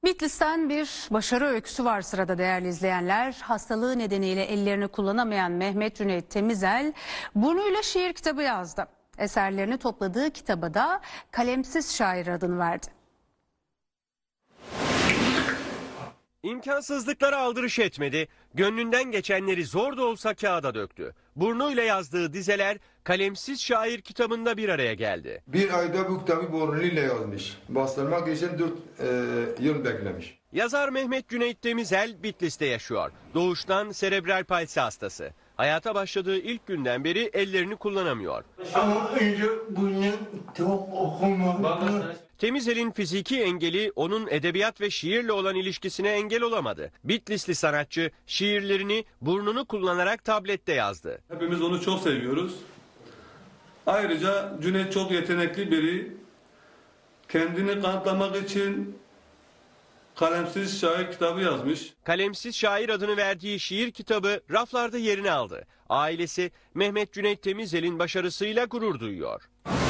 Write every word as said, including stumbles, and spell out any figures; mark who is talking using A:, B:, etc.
A: Bitlis'ten bir başarı öyküsü var sırada değerli izleyenler. Hastalığı nedeniyle ellerini kullanamayan Mehmet Cüneyt Temizel burnuyla şiir kitabı yazdı. Eserlerini topladığı kitaba da Kalemsiz Şair adını verdi.
B: İmkansızlıklara aldırış etmedi, gönlünden geçenleri zor da olsa kağıda döktü. Burnuyla yazdığı dizeler Kalemsiz Şair kitabında bir araya geldi.
C: Bir ayda bu kitabı burnuyla yazmış. Bastırmak için dört e, yıl beklemiş.
B: Yazar Mehmet Cüneyt Temizel Bitlis'te yaşıyor. Doğuştan serebral palsi hastası. Hayata başladığı ilk günden beri ellerini kullanamıyor.
D: Ama önce bunu çok okumadım.
B: Temizel'in fiziki engeli onun edebiyat ve şiirle olan ilişkisine engel olamadı. Bitlisli sanatçı şiirlerini burnunu kullanarak tablette yazdı.
E: Hepimiz onu çok seviyoruz. Ayrıca Cüneyt çok yetenekli biri. Kendini kanıtlamak için Kalemsiz Şair kitabı yazmış.
B: Kalemsiz Şair adını verdiği şiir kitabı raflarda yerini aldı. Ailesi Mehmet Cüneyt Temizel'in başarısıyla gurur duyuyor.